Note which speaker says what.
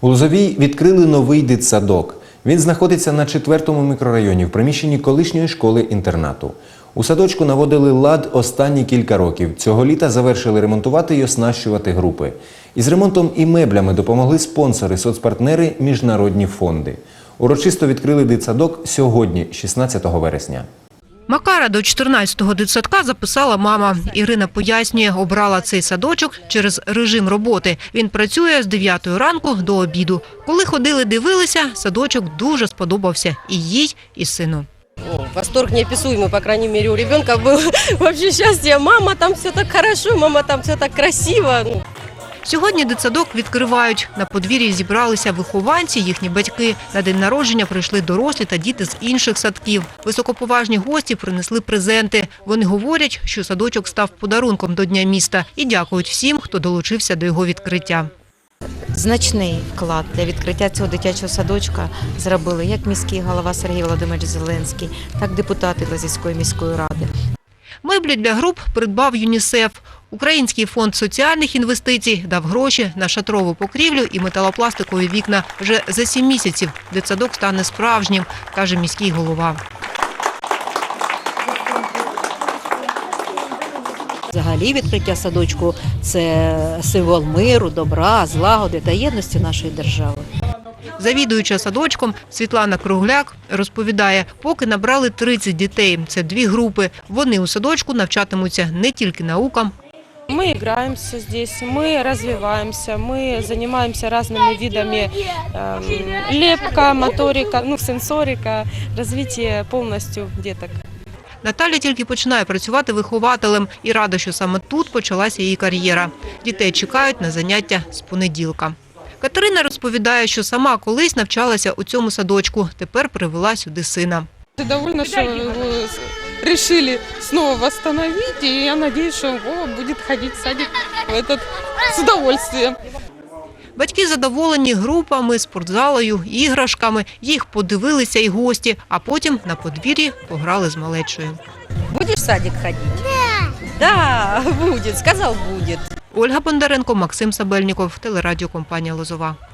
Speaker 1: У Лозовій відкрили новий дитсадок. Він знаходиться на 4-му мікрорайоні в приміщенні колишньої школи-інтернату. У садочку наводили лад останні кілька років. Цього літа завершили ремонтувати і оснащувати групи. Із ремонтом і меблями допомогли спонсори, соцпартнери, міжнародні фонди. Урочисто відкрили дитсадок сьогодні, 16 вересня.
Speaker 2: Макара до 14-го дитсадка записала мама. Ірина пояснює, обрала цей садочок через режим роботи. Він працює з 9 ранку до обіду. Коли ходили, дивилися, садочок дуже сподобався і їй, і сину.
Speaker 3: Восторг неописуемый, по крайней мере, у ребенка был вообще счастье. Мама, там все так хорошо, мама, там все так красиво.
Speaker 2: Сьогодні дитсадок відкривають. На подвір'ї зібралися вихованці, їхні батьки. На день народження прийшли дорослі та діти з інших садків. Високоповажні гості принесли презенти. Вони говорять, що садочок став подарунком до Дня міста і дякують всім, хто долучився до його відкриття.
Speaker 4: Значний вклад для відкриття цього дитячого садочка зробили як міський голова Сергій Володимирович Зеленський, так депутати Лозівської міської ради.
Speaker 2: Меблі для груп придбав ЮНІСЕФ. Український фонд соціальних інвестицій дав гроші на шатрову покрівлю і металопластикові вікна. Вже за 7 місяців дитсадок стане справжнім, каже міський голова.
Speaker 5: Взагалі відкриття садочку – це символ миру, добра, злагоди та єдності нашої держави.
Speaker 2: Завідуюча садочком Світлана Кругляк розповідає, поки набрали 30 дітей. Це 2 групи. Вони у садочку навчатимуться не тільки наукам.
Speaker 6: Мы играемся здесь, мы развиваемся, мы занимаемся разными видами лепка, моторика, сенсорика, развитие полностью деток.
Speaker 2: Наталя тільки починає працювати вихователем і рада, що саме тут почалася її кар'єра. Дітей чекають на заняття з понеділка. Катерина розповідає, що сама колись навчалася у цьому садочку, тепер привела сюди сина.
Speaker 6: Довольно, что его решили снова восстановить, и я надеюсь, что Вова будет ходить в садик с удовольствием.
Speaker 2: Батьки задоволені групами, спортзалою, іграшками. Їх подивилися і гості, а потім на подвір'ї пограли з малечою.
Speaker 3: Будешь в садик ходить? Да, будет, сказал будет.
Speaker 2: Ольга Бондаренко, Максим Сабельніков, телерадіокомпанія «Лозова».